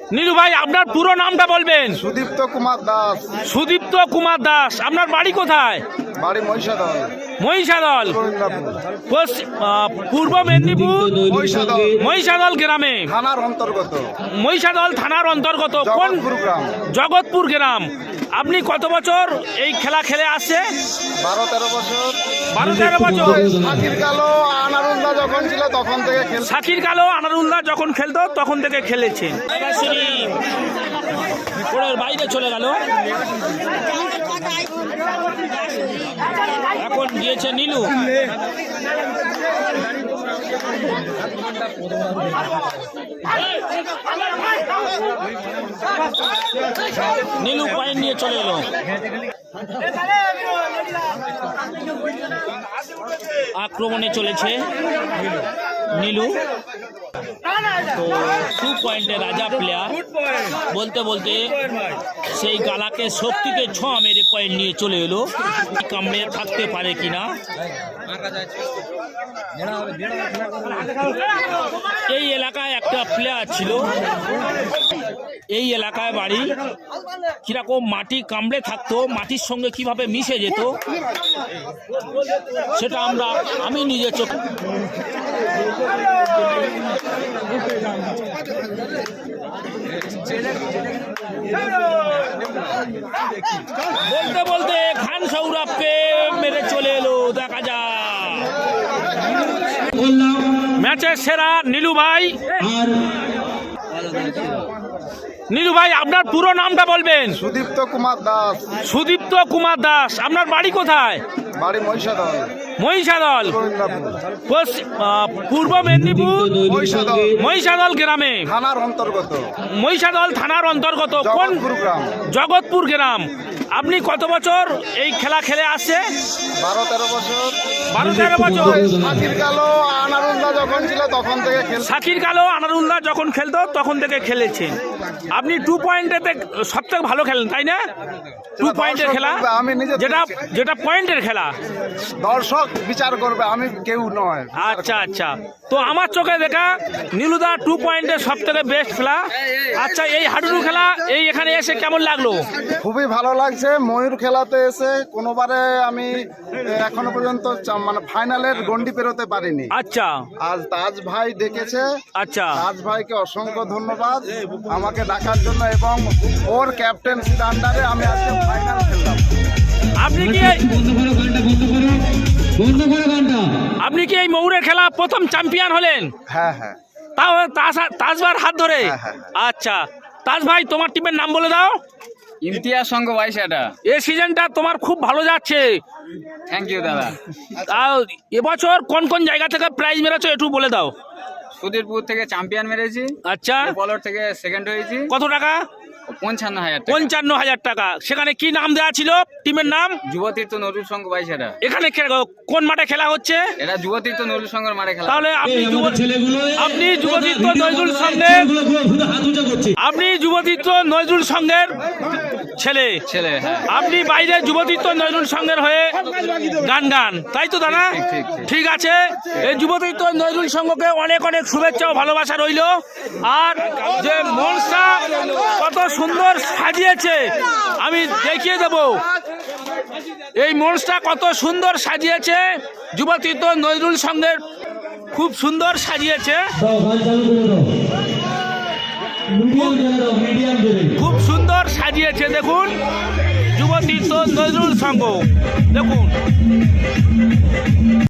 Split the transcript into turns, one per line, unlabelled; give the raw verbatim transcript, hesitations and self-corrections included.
নীলু ভাই, আপনার পুরো নামটা বলবেন।
সুদীপ্ত কুমার দাস।
সুদীপ্ত কুমার দাস, আপনার বাড়ি কোথায়?
বাড়ি মহিষাদল।
মহিষাদল, পশ্চিম পূর্ব মেদিনীপুর
মহিষাদল
মহিষাদল গ্রামে,
থানার অন্তর্গত।
মহিষাদল থানার অন্তর্গত কোন
জগৎপুর গ্রাম?
জগৎপুর গ্রাম। আপনি কত বছর এই খেলা খেলে আসছে?
বারো তেরো বছর।
বারো তেরো বছর।
শাকির কালো আনারুল্লাহ যখন ছিল তখন থেকে খেল।
শাকির কালো আনারুল্লাহ যখন খেলতো তখন থেকে খেলেছেন। ওর বাইরে চলে গেল, এখন গিয়েছে নীলু। নীলু পয়েন্ট নিয়ে চলে এলো। আক্রমণে চলেছে নীলু, তো টু পয়েন্টে রাজা প্লেয়ার। বলতে বলতে সেই গালাকে শক্তিতে ছ মেরে পয়েন্ট নিয়ে চলে এলো। কামড়ে থাকতে পারে কিনা। এই এলাকায় একটা প্লেয়ার ছিল, এই এলাকায় বাড়ি। কিরকম মাটি কামড়ে থাকতো, মাটির সঙ্গে কিভাবে মিশে যেত সেটা আমরা আমি নিজে চোখ বলতে বলতে খান সৌরভকে মেরে চলে এলো। দেখা যায় ম্যাচের সেরা নীলু ভাই। নীলু ভাই, আপনার পুরো নামটা বলবেন।
সুদীপ্ত কুমার দাস।
সুদীপ্ত কুমার দাস, আপনার বাড়ি কোথায়?
বাড়ি মহিষাদল।
মহিষাদল, পশ্চিম পূর্ব মেদিনীপুর
মহিষাদল
মহিষাদল গ্রামে,
থানার অন্তর্গত।
মহিষাদল থানার অন্তর্গত কোন
জগৎপুর গ্রাম?
জগৎপুর গ্রাম। আপনি কত বছর এই খেলা খেলে আসছে?
বারো তেরো বছর।
বারো তেরো বছর।
শাকির কালো আনারুল্লাহ যখন ছিল তখন থেকে খেল।
শাকির কালো আনারুল্লাহ যখন খেলতো তখন থেকে খেলেছেন। আপনি টু পয়েন্টেতে সব থেকে ভালো খেলেন, তাই না? টু পয়েন্টের খেলা,
আমি নিজে
যেটা যেটা পয়েন্টের খেলা
দর্শক বিচার করবে, আমি কেউ নয়।
আচ্ছা আচ্ছা, তো আমার চোখে দেখা নীলুদা টু পয়েন্টের সব থেকে বেস্ট খেলা। আচ্ছা, এই হাডুডু খেলা এই এখানে এসে কেমন লাগলো?
খুবই ভালো লাগছে। ময়ূর খেলাতে এসে কোনোবারে আমি এখনো পর্যন্ত চা- মানে ফাইনালের গন্ডি পেরোতে পারিনি।
আচ্ছা
আজ তাজ ভাই ডেকেছে।
আচ্ছা,
তাজ ভাইকে অসংখ্য ধন্যবাদ আমাকে ডাকার জন্য, এবং ওর ক্যাপ্টেন্সির আন্ডারে আমি আজকে ফাইনাল খেললাম।
আপনি কি আপনি কি এই ময়ূরের খেলা প্রথম চ্যাম্পিয়ন হলেন?
হ্যাঁ হ্যাঁ।
তাও তাজ- তাজবার হাত ধরে?
হ্যাঁ, হ্যাঁ,
আচ্ছা, তাজ ভাই তোমার টিমের নাম বলে দাও।
ইমতিয়াজ সংঘ বাইশাটা।
এই সিজনটা তোমার খুব ভালো যাচ্ছে।
থ্যাংক ইউ দাদা।
তাও এবছর কোন কোন জায়গা থেকে প্রাইজ মেরেছো একটু বলে দাও।
সুধীরপুর থেকে চ্যাম্পিয়ন মেরেছি,
আচ্ছা,
বলর থেকে সেকেন্ড হয়েছি।
কত টাকা?
পঞ্চান্ন হাজার টাকা।
পঞ্চান্ন হাজার টাকা। সেখানে কি নাম দেওয়া ছিল টিমের নাম?
যুবতীর্থ নজরুল সংঘ বাইশাটা।
এখানে খে- কোন মাঠে খেলা হচ্ছে?
এটা যুবতীর্থ নজরুল সংঘের মাঠে খেলা।
তাহলে আপনি যুব- আপনি যুবতীর্থ নজরুল সংঘের আপনি যুবতীর্থ নজরুল সংঘের ছেলে
ছেলে, হ্যাঁ।
আপনি বাইরে যুবতীর্থ নজরুল সংঘের হয়ে গান গান, তাই তো দাদা?
ঠিক, ঠিক, ঠিক।
ঠিক আছে, এই যুবতীর্থ নজরুল সংঘকে অনেক অনেক শুভেচ্ছা ও ভালোবাসা রইল। আর যে মঞ্চটা কত সুন্দর সাজিয়েছে আমি দেখিয়ে দেব। এই মঞ্চটা কত সুন্দর সাজিয়েছে যুবতীর্থ নজরুল সংঘের, খুব সুন্দর সাজিয়েছে, খুব সুন্দর সাজিয়েছে। দেখুন যুবতীর্থ নজরুল সংঘ, দেখুন।